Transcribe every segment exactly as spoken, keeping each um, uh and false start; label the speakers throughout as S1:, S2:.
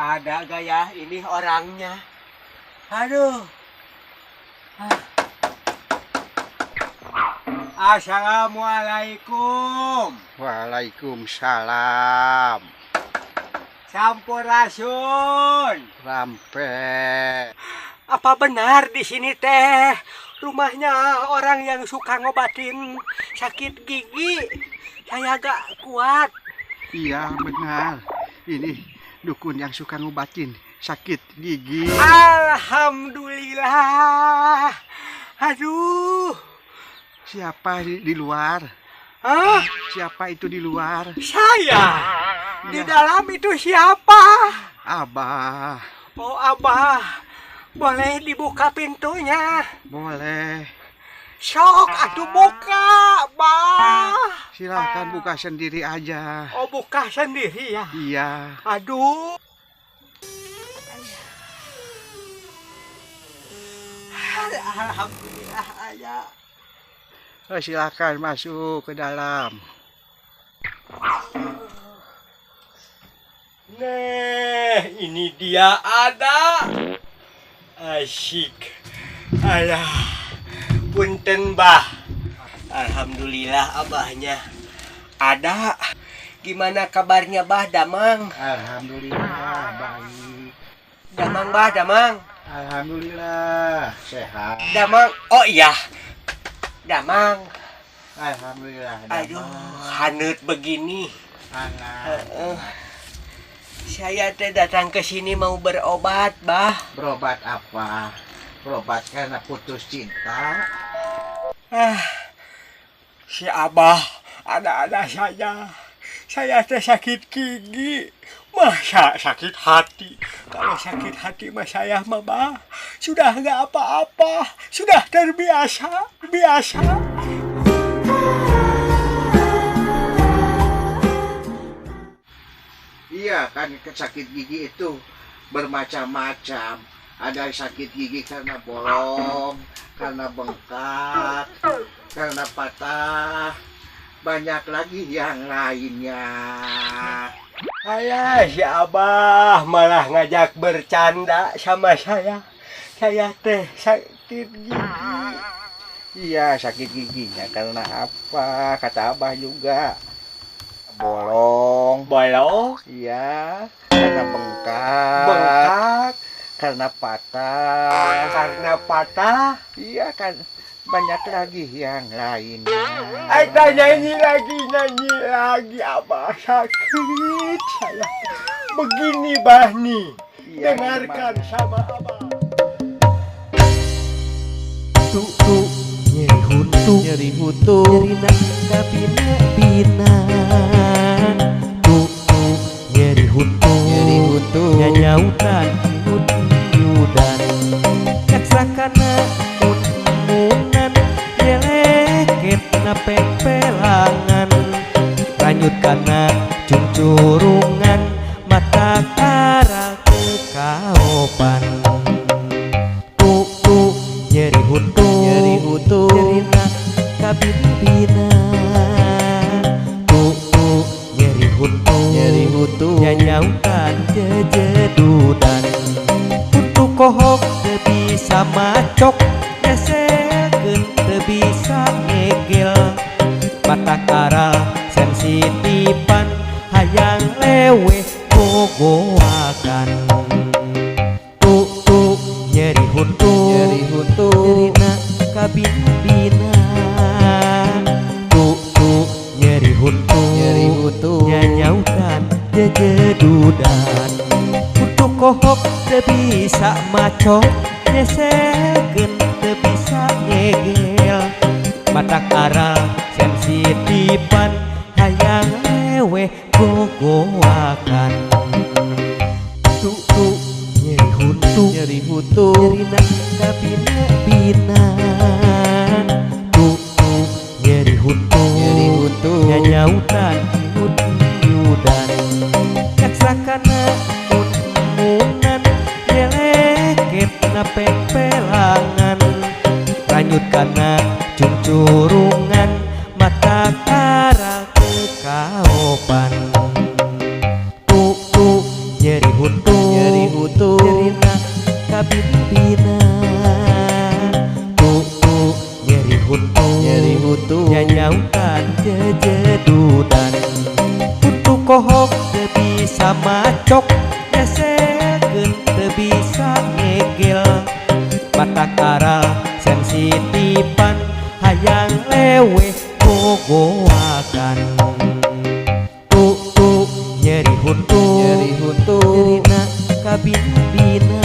S1: ada gaya ini orangnya. Aduh. Assalamualaikum.
S2: Waalaikumsalam.
S1: Sampurasun.
S2: Rampe.
S1: Apa benar di sini teh rumahnya orang yang suka ngobatin sakit gigi? Saya gak kuat.
S2: Iya benar. Ini dukun yang suka ngobatin sakit gigi.
S1: Alhamdulillah. Aduh.
S2: Siapa di, di luar?
S1: Hah?
S2: Siapa itu di luar?
S1: Saya. Di
S2: Ya.
S1: dalam itu siapa?
S2: Abah.
S1: Oh Abah. Boleh dibuka pintunya?
S2: Boleh.
S1: Sok atuh buka, Bah.
S2: Silakan buka sendiri aja.
S1: Oh buka sendiri ya?
S2: Iya.
S1: Aduh. Alhamdulillah ayah.
S2: Oh, silakan masuk ke dalam.
S1: Nah, ini dia ada. Asyik. Alah. Punten, Bah. Alhamdulillah abahnya ada. Gimana kabarnya, Bah Damang?
S2: Alhamdulillah baik.
S1: Damang, Bah Damang.
S2: Alhamdulillah sehat.
S1: Damang. Oh iya. Damang.
S2: Alhamdulillah.
S1: Aduh, haneut begini.
S2: Anak.
S1: Heeh. Saya teh datang ke sini mau berobat, Bah.
S2: Berobat apa? Berobat karena putus cinta.
S1: Ah, si Abah ada-ada saja. Saya teh sakit gigi. Masa sakit hati? Kalau sakit hati mah saya mah, Bah, sudah nggak apa-apa. Sudah terbiasa. Biasa.
S2: Iya kan sakit gigi itu bermacam-macam. Ada sakit gigi karena bolong, karena bengkak, karena patah. Banyak lagi yang lainnya.
S1: Ayah, si Abah malah ngajak bercanda sama saya. Saya teh sakit gigi.
S2: Iya sakit giginya karena apa? Kata Abah juga. Bolong.
S1: Bolong,
S2: Iya. Karena bengkak.
S1: bengkak,
S2: Karena patah.
S1: karena patah.
S2: Iya kan banyak lagi yang lainnya.
S1: Ada nyanyi lagi, nyanyi lagi. Abah sakit saya. Begini, Bah nih.
S2: Iya,
S1: Dengarkan
S2: gimana?
S1: sama Abah.
S3: Tuk tuk nyeri hutu nyeri hutu nyeri nak bina bina tuk tuk nyeri hutu nyeri hutu nyanyautan yudan kaksakana mun-munan jeleket na pepelangan ranyut kana cuncurungan mata kara kekaopan tuk tuk nyeri hutu nyeri hutu nyeri nak kabina tuk tuk nyeri hutu nyeri hutu nyanyautan jejedudan untuk kohok teu bisa macok nyeselkeun teu bisa ngegel mata karal sensitifan hayang lewe gogoakan tuk tuk nyeri hutu nyeri hutu nyeri nak kabina tuk tuk nyeri hutu nyeri hutu nyanyautan jejedudan untuk kohok teu bisa macok nyeselkeun teu bisa ngegel mata aral sensitifan hayang lewe gogoakan tuk tuk nyeri hutu nyeri hutu nyeri nak kabina bina tuk tuk nyeri hutu nyeri hutu nyanyautan yudan kaksakana mun-munan jeleket na pepelangan ranyut kana cuncurungan mata kara kekaopan tuk tuk nyeri hutu bina Tuk-tuk nyeri hutu Nyeri hutu Nyanyaukan jejedudan Hutu kohok teu bisa macok Nyesekeun teu bisa ngegel Mata kara sensitifan Hayang lewe gogoakan Tuk-tuk nyeri hutu Nyeri hutu Nyerina kabin-bina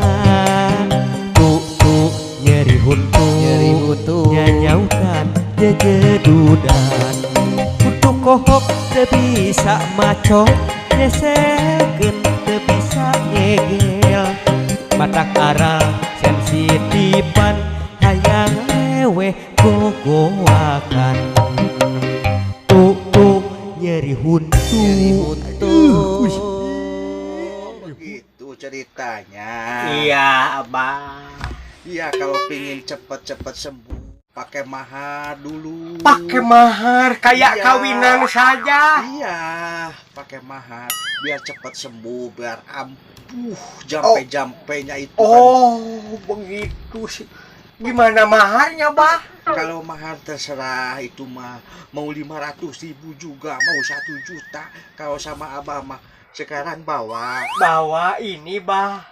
S3: Tuk-tuk nyeri hutu Nyeri hutu Nyanyaukan jejedudan Hutu kohok teu bisa macok Nyesekeun teu bisa ngegel Mata kara sensitifan Hayang lewe gogoakan Tuk-tuk nyeri huntu
S2: Nyeri hutu.
S3: Uh,
S2: Begitu ceritanya.
S1: Iya abah.
S2: Iya, kalau pingin cepet-cepet sembuh pakai mahar dulu.
S1: Pakai mahar kayak
S2: Iya.
S1: kawinan saja.
S2: Iya, pakai mahar biar cepet sembuh, biar ampuh jampe-jampenya itu kan.
S1: Oh, begitu sih. Gimana maharnya, Bah?
S2: Kalau mahar terserah, itu mah mau lima ratus ribu juga, mau satu juta. Kalau sama abah mah sekarang bawa.
S1: Bawa ini, Bah.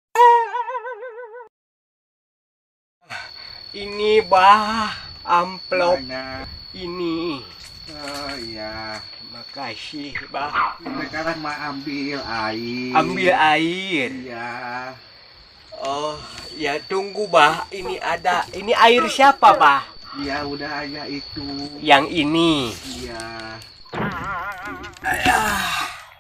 S1: Ini, Bah, amplop
S2: Mana?
S1: ini.
S2: Oh iya,
S1: Makasih, Bah.
S2: sekarang mah ambil air.
S1: Ambil air.
S2: Iya.
S1: Oh, ya tunggu, Bah. Ini ada. Ini air siapa, Bah?
S2: Iya, udah aja itu.
S1: Yang ini.
S2: Iya.
S1: Ayah.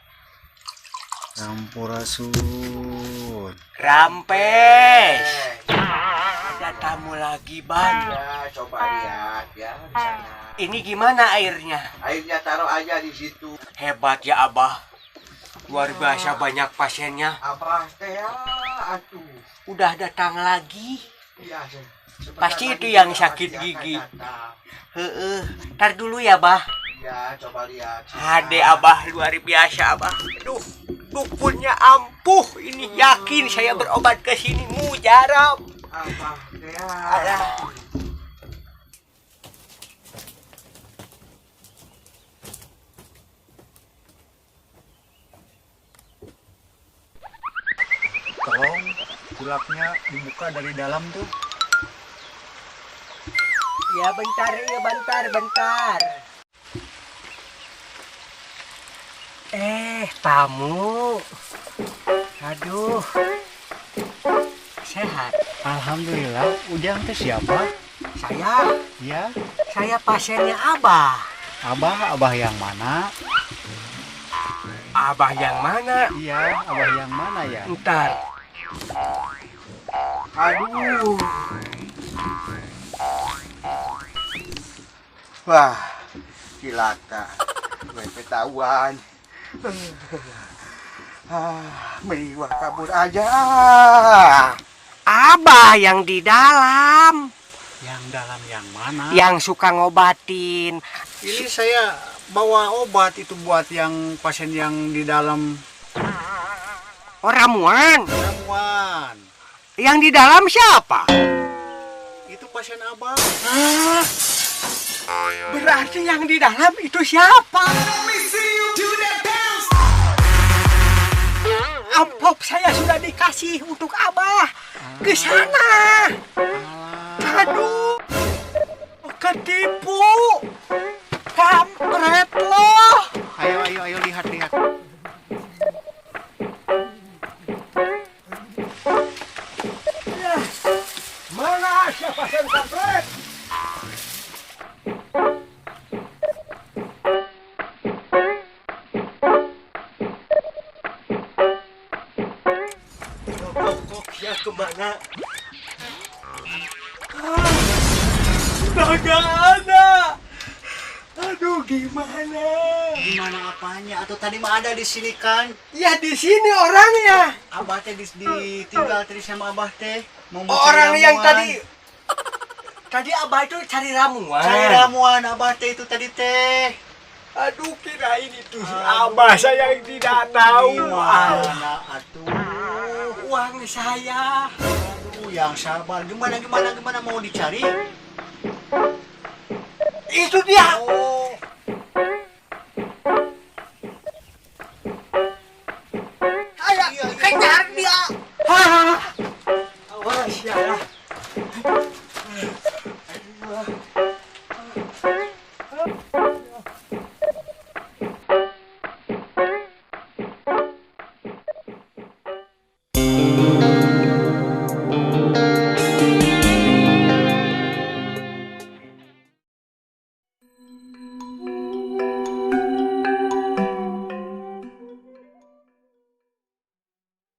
S2: Sampurasun.
S1: Rampes. Ada tamu lagi, Bang.
S2: Ya, coba lihat ya di sana.
S1: Ini gimana airnya?
S2: Airnya taruh aja di situ.
S1: Hebat ya, Abah. Luar biasa banyak pasiennya.
S2: Abah teh ya, atuh.
S1: Udah datang lagi.
S2: Iya, se- sebentar
S1: Pasti
S2: lagi
S1: itu yang
S2: juga
S1: sakit
S2: pasti akan
S1: gigi.
S2: datang.
S1: Heeh. Ntar dulu ya, Bah.
S2: Ya, coba lihat.
S1: Ade, Abah. Luar biasa, Abah. Aduh, dukunnya ampuh. Ini yakin saya berobat ke sini mujarab.
S2: Abah teh ya.
S1: Alah.
S2: Tolong kulaknya dibuka dari dalam tuh.
S1: Ya bentar, ya bentar, bentar. Eh, tamu. Aduh. Sehat.
S2: Alhamdulillah, Ujang teh siapa?
S1: Saya,
S2: Ya,
S1: saya pasiennya Abah.
S2: Abah, Abah yang mana?
S1: Abah yang mana?
S2: Iya, Abah yang mana ya?
S1: Ntar. Aduh.
S2: Wah, cilaka. Gue ketahuan. Ah, meriwah kabur aja.
S1: Abah yang di dalam.
S2: Yang dalam yang mana?
S1: Yang suka ngobatin.
S2: Ini saya bawa obat itu buat yang pasien yang di dalam
S1: Oh, ramuan.
S2: ramuan.
S1: Yang di dalam siapa?
S2: Itu pasien abang.
S1: Hah? Berarti yang di dalam itu siapa? Amplop saya sudah dikasih untuk Abah. Ke sana. Aduh. Ketipu. Kampret loh.
S2: Ayo, ayo, ayo lihat, lihat.
S1: Mana siapa yang kampret? Kokoknya kemana? Ah, Gak ada. Aduh, gimana?
S2: Gimana apanya? Atau tadi mah ada di sini kan?
S1: Ya di sini orangnya.
S2: Abah teh dis- ditinggal tadi sama abah teh. Mau
S1: Oh,
S2: cari
S1: orang yang
S2: ramuan.
S1: tadi tadi Abah itu cari ramuan.
S2: Cari ramuan abah teh itu tadi teh.
S1: Aduh, kirain itu si Abah saya yang tidak tahu. Ah,
S2: Gimana atuh?
S1: uang saya.
S2: Aduh,
S1: Oh, yang sabar. Gimana, gimana, gimana mau dicari? Itu dia. Oh. Ayo, kejar dia. Hah? Awas ya.